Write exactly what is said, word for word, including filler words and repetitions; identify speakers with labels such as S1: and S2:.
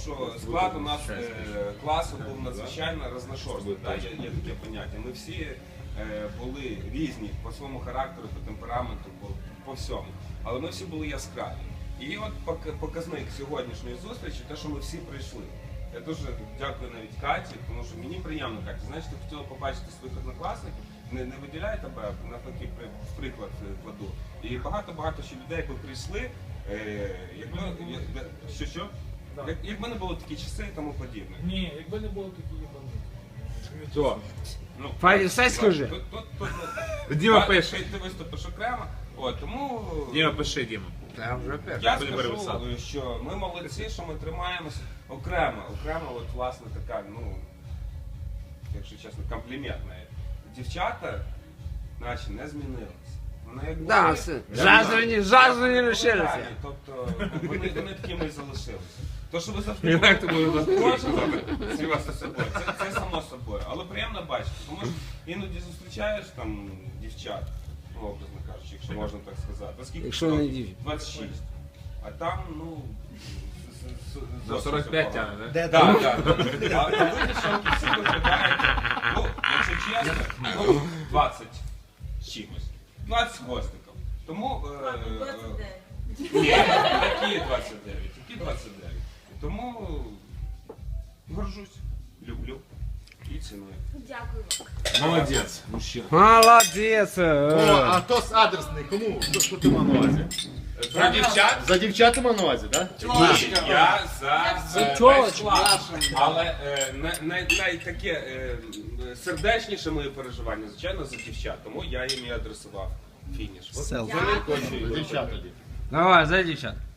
S1: що склад у нас е, класу був надзвичайно розношорстний, да, є, є таке поняття. Ми всі е, були різні по своєму характеру, по темпераменту, по, по всьому. Але ми всі були яскраві. І от показник сьогоднішньої зустрічі, те, що ми всі прийшли. Я дуже дякую навіть Каті, тому що мені приємно, Катя. Знаєш, ти хотіла побачити своїх однокласників, не, не виділяй тебе, навпаки, в приклад кладу. І багато-багато ще людей, які прийшли, е, якби, що, що? Як, якби не було такі часи і тому подібне.
S2: Ні, якби не було такі єбани.
S1: То, ну,
S3: Файні, все скажи.
S1: Тут, тут, тут,
S4: Діма
S1: тут,
S4: пише.
S1: Ти виступиш окремо, от, тому...
S4: Діма, пиши, Діма.
S3: Я вже перший.
S1: Я
S4: Будемо
S1: скажу,
S4: переписати.
S1: що ми молодці, що ми тримаємося окремо. Окремо, от, власне, така, ну, якщо чесно, комплімент навіть. Дівчата, наче, не змінилися. Вони як
S3: Да,
S1: були,
S3: все. Жазрені, жазрені
S1: як
S3: лишилися.
S1: були, тобто, вони, вони такими і залишилися. То, що ви завжди
S4: Як ти будеш
S1: кожного співати з собою, це, це само собою. Але приємно бачити, тому що іноді зустрічаєш там дівчат, ну, образно кажучи, якщо можна так сказати. Наскільки
S3: Якщо не дівчат.
S1: двадцять шість. А там, ну,
S4: За сорок п'ять тягне,
S1: так? Так, так. А ви дівчонки всі виглядаєте, ну, якщо чесно, ну, двадцять з чимось. двадцять з хвостиком. Тому... е, е, Ні, які двадцять дев'ять, які двадцять дев'ять. Тому горжусь, люблю і ціную.
S5: Дякую.
S4: Молодець, мужчина.
S3: Молодець.
S6: О, а тост адресний, кому? Що, що ти мав на увазі?
S1: За дівчат?
S6: За дівчата мав на увазі, так?
S1: Ні, я за е,
S3: чого?
S1: весь клас. Але е, най, най, най таке е, сердечніше моє переживання, звичайно, за дівчат. Тому я їм і адресував фініш. От,
S5: Дякую.
S1: за
S6: За дівчат тоді.
S3: Давай, за дівчат.